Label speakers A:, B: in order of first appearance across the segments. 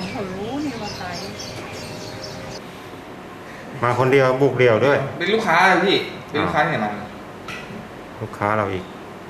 A: เขารู้นี่ว่าใคร
B: มาคนเดียวบุกเดี่ยวด้วย
C: เป็นลูกค้าพี่เป็นลูกค้าที่ไหนมา
B: ลูกค้าเราอีก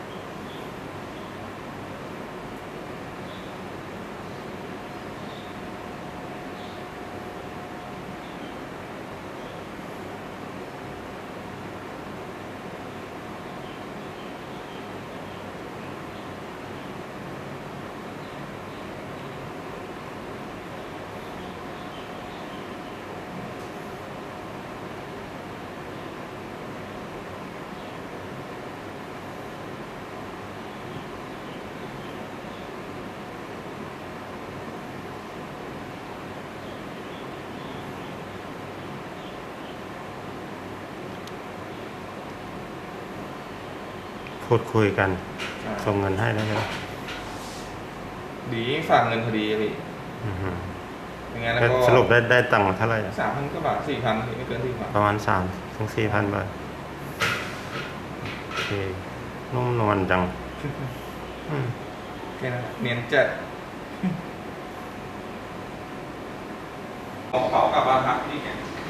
B: พูดคุยกันส่งเงินให้แล้วใช่ไหม
C: ดีฝากเงินพอดีพี่ยังไงแล้วก็
B: สรุปได้ตังค์เท่าไหร่
C: 3,000 กว่าบาท 4,000ไม่เกิน4,000
B: ประมาณ3-4,000 บาทโอเคนุ่มนวลจัง
C: แค่นั้นเนียนจัดเอาเป๋ากลับบ้านพักนี่ไง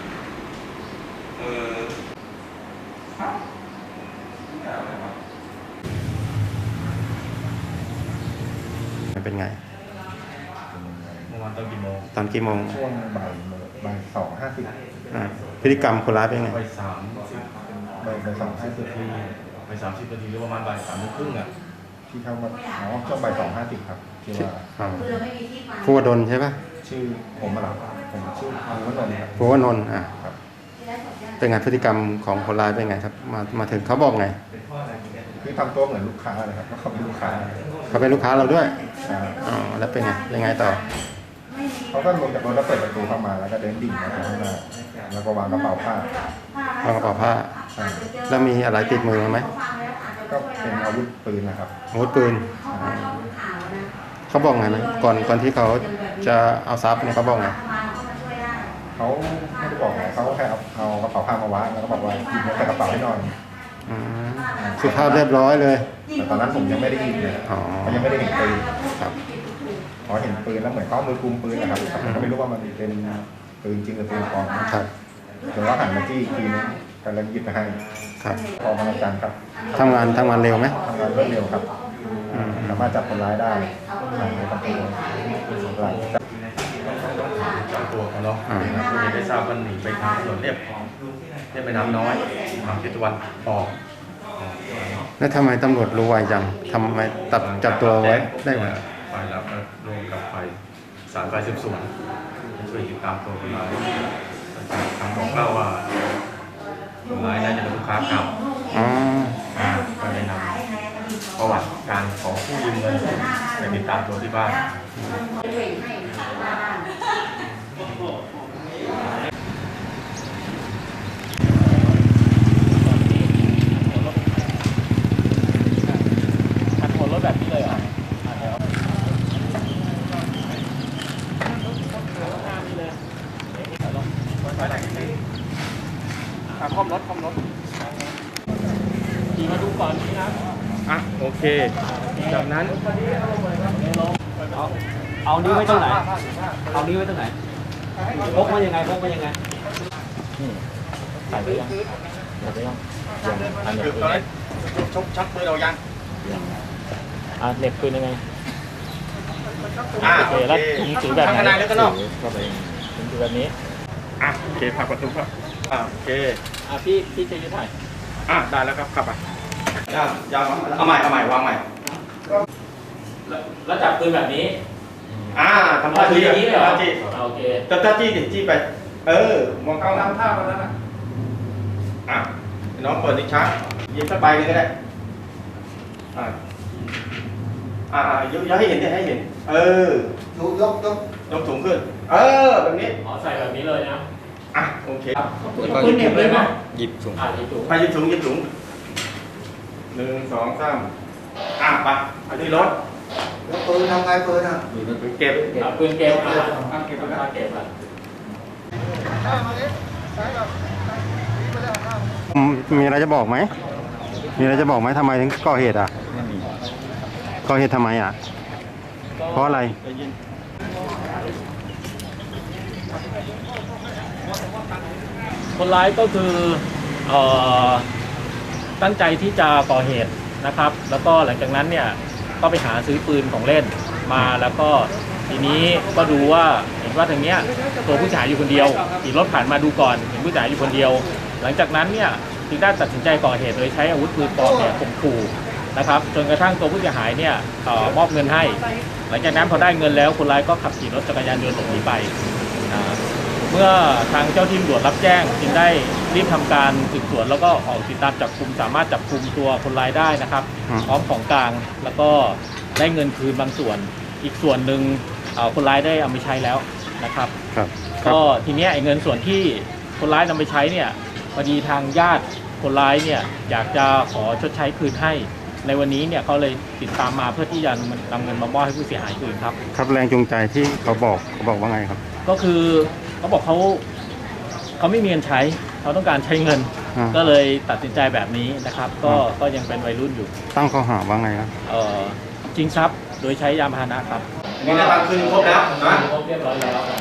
B: เป็นไง
D: เมื่อวานตอนกี่โมง
B: ช่
D: วงบ่าย2:50
B: พฤติกรรมคนร้ายเป็นไง
D: บ่าย2:50ที่บ่าย30 นาทีหรือประมาณบ่าย3:30อ่ะที่เข้ามาช่วงบ่าย2:50ครับที่ว่า
B: ภูวดลใช่ปะ
D: ชื่อผมมาหลับผมชื่อภูวนนท์ครับ
B: ภูวนนท์
D: ครับ
B: เป็นไงพฤติกรรมของคนร้ายเป็นไงครับมาถึงเขาบอกไง
D: คือทำตัวเหมือนลูกค้าเลยครับเขาเป็นลูกค้า
B: เขาเป็นลูกค้าเราด้วยอ๋อแล้วเป็นไงยังไงต่อ
D: เขาก็ลงจากรถแล้วเปิดประตูเข้ามาแล้วก็เดินดิ่งมาข้างหน้าแล้วก็วางกระเป๋าผ้
B: แล้วมีอะไรติดมือไหม
D: ก็เป็นอาวุธปืนนะครับ
B: อาวุธปืนเขาบอกไงไหมก่อนที่เขาจะเอาทรัพย์เนี่ยเขาบอกไง
D: เขาไม่ได้บอกไงเขาแค่เอากระเป๋าผ้ามาวางแล้วก็บอกว่าหยิบเงินใส่กระเป๋าให้หน่อย
B: สุภาพเรียบร้อยเลย
D: แต่ตอนนั้นผมยังไม่ได้ยินเลยเขายังไม่ได้เห็นปืนครับพอเห็นปืนแล้วเหมือนเขามือกุมปืนนะครับก็ไม่รู้ว่ามันเป็นปืนจริงหรือปืนปลอม
B: ครับ
D: เดี๋ยวเราหันมาจี้อีกทีนึงกำลังหยิบไปให้
B: ครับ
D: พอมาอาจารย์ครับ
B: ทำงานเร็วไหม
D: ทำงานรวดเร็วครับสามารถจับคนร้ายได้ในประตูหลัง
E: จับตัวเขาเนาะไม่ทราบว่าหนีไปทางถนนเรียบไปน้ำน้อยทางทิศตะวันออก
B: แล้วทำไมตำรวจรู้ไวจังทำไมจับตัวไว้ได้ไหม
E: ฝ่ายรับรวมกับฝ่ายสารฝ่ายสืบสวนช่วยติดตามตัวคนร้ายทางบอกเล่าว่าคนร้ายน่าจะเป็นลูกค้าเก่าก็ได้นำประวัติการขอกู้ยืมเงินไปติดตามตัวที่บ้าน
F: แบบนี้เลยเหรอคอมรถขี่มาดูก่อนนี่นะ
C: โอเคจากนั้น
F: เอานิ้วไว้ตรงไหนพกมายังไงใส่ไปยังอันนี้
C: ตอนนั้นชักมือเรายัง
F: เหน็บปืนยังไง
C: โอเคแล้ว
F: ถุงถือแบบไหน
C: แล้วก็นอก
F: ถุงถือแบบนี้
C: โอเคผลักประตูครับโอเค
F: พี่จะยืดถ่าย
C: ได้แล้วครับขับไปยาวเอาใหม่วางใหม่
F: แล้วจับปืนแบบนี้
C: ทำท่าจี้
F: อย่างนี้เลยเหรอโอเค
C: ท่าจี้ไปมองเข้าน้ำท่ามาแล้วนะน้องเปิดนิชาหยิบสักใบนึงก็ได้ยกให้เห็นดิให้เห็นยกถุงขึ้นแบบนี้
F: ใส่แบบนี้เลยนะ
C: โอเค
F: ปืนเหน็บเลยไหม
E: หยิบถุง
C: ไปหยิบถุง1 2 3ไปเอาที่รถ
D: ปืนทำไงปืน
C: เก็บ
F: ปืนเก็บ
B: มีอะไรจะบอกไหมทำไมถึงก่อเหตุก่อเหตุทำไมเพราะอะไร
F: คนร้ายก็คือตั้งใจที่จะก่อเหตุนะครับ แล้วก็หลังจากนั้นเนี่ยก็ไปหาซื้อปืนของเล่นมาแล้วก็ทีนี้ก็ดูว่าเห็นว่าทางเนี้ยตัวผู้เสียหายอยู่คนเดียวขี่รถผ่านมาดูก่อนเห็นผู้เสียหายอยู่คนเดียว หลังจากนั้นเนี่ยจึงได้ตัดสินใจก่อเหตุโดยใช้อาวุธปืนปลอมเนี่ยข่มขู่นะครับจนกระทั่งตัวผู้เสียหายเนี่ยมอบเงินให้ หลังจากนั้นพอได้เงินแล้วคนร้ายก็ขับขี่รถจักรยานยนต์หลบหนีไปเมื่อทางเจ้าที่ตำรวจรับแจ้งจึงได้รีบทำการสืบสวนแล้วก็ออกติดตามจับกุมสามารถจับกุมตัวคนร้ายได้นะครับพร้อมของกลางแล้วก็ได้เงินคืนบางส่วนอีกส่วนหนึ่งคนร้ายได้เอาไปใช้แล้วนะครับก็ทีนี้ไอ้เงินส่วนที่คนร้ายนำไปใช้เนี่ยพอดีทางญาติคนร้ายเนี่ยอยากจะขอชดใช้คืนให้ในวันนี้เนี่ยเขาเลยติดตามมาเพื่อที่จะนำเงินมามอบให้ผู้เสียหายคืนครับ
B: ครับแรงจูงใจที่เขาบอกว่าไงครับ
F: ก็คือเขาบอกเขาไม่มีเงินใช้เขาต้องการใช้เงินก็เลยตัดสินใจแบบนี้นะครับก็ยังเป็นวัยรุ่นอยู่
B: ตั้งข้อหาว่าไงครับ
F: ชิงทรัพย์โดยใช้ยานพาหนะครับ
C: นี่นะครับคืนครบแล้วนะ
F: ครบเรียบร้อยแล้ว